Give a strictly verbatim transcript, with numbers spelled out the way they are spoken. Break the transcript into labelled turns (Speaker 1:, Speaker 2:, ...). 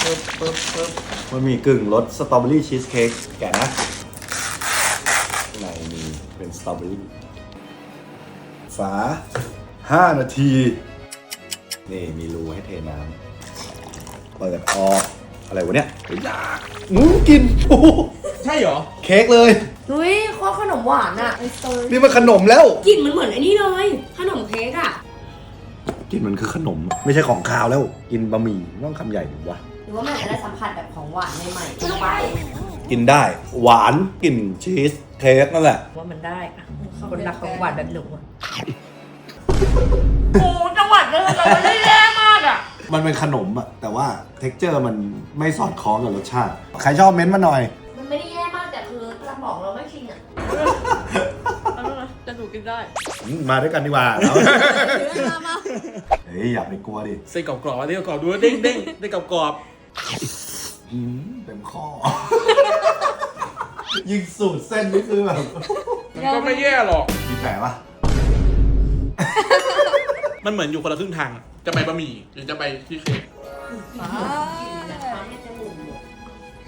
Speaker 1: ปึ๊บปึ๊บปึ๊บมันมีกึ่งรสสตรอเบอรี่ชีสเค้กแกะนะข้างในมีเป็นสตรอเบอรี่ฝาห้านาทีนี่มีรูให้เทน้ำเปิดออกอะไรวะเนี่ยอยากงูกินโอ้
Speaker 2: ใช่เหรอ
Speaker 1: เค้กเลย
Speaker 3: นุ้ยโคตรขนมหวานอ่ะ
Speaker 1: นี่มันขนมแล้ว
Speaker 3: กลิ่นมันเหมือนไอ้นี่เลยขนมเค้กอ่ะ
Speaker 1: กินมันคือขนมไม่ใช่ของคาวแล้วกินบะหมี่ต้องคำใหญ่ถูกปะ
Speaker 3: หรือว่ามันอาจจะได้สัมผัสแบบของหวานใหม่ๆเข้าไป
Speaker 1: กินได้หวานกลิ่นชีสเค้กนั่นแหละ
Speaker 3: ว่ามันได้อะคนรักของหวานแบบหนูอะโอ้จังหวัดเลยเราไม่ได้แย่มากอ่ะ
Speaker 1: มันเป็นขนมอะแต่ว่าเท็กเจอร์มันไม่สอดคล้องกับรสชาติใครชอบเม้นต์มาหน่อย
Speaker 3: มันไม่ได้แย่มากแต่คือสมองเราไม่ชินอ่ะจะหนูกินได้
Speaker 1: มาด้วยกันดีกว่าแล้วเฮ้ยอย่าไปกลัวดิ
Speaker 2: เส้นกรอบๆอันนี้กรอบดูเด้งเด้งเด้งกรอบ
Speaker 1: เต็มข้อยิงสูตรเส้นนี่คือแบบ
Speaker 2: มันก็ไม่แย่หรอก
Speaker 1: มีแผลปะ
Speaker 2: มันเหมือนอยู่คนละครึ่งทางจะไปบะหมี่หรือจะไปที่เค้ก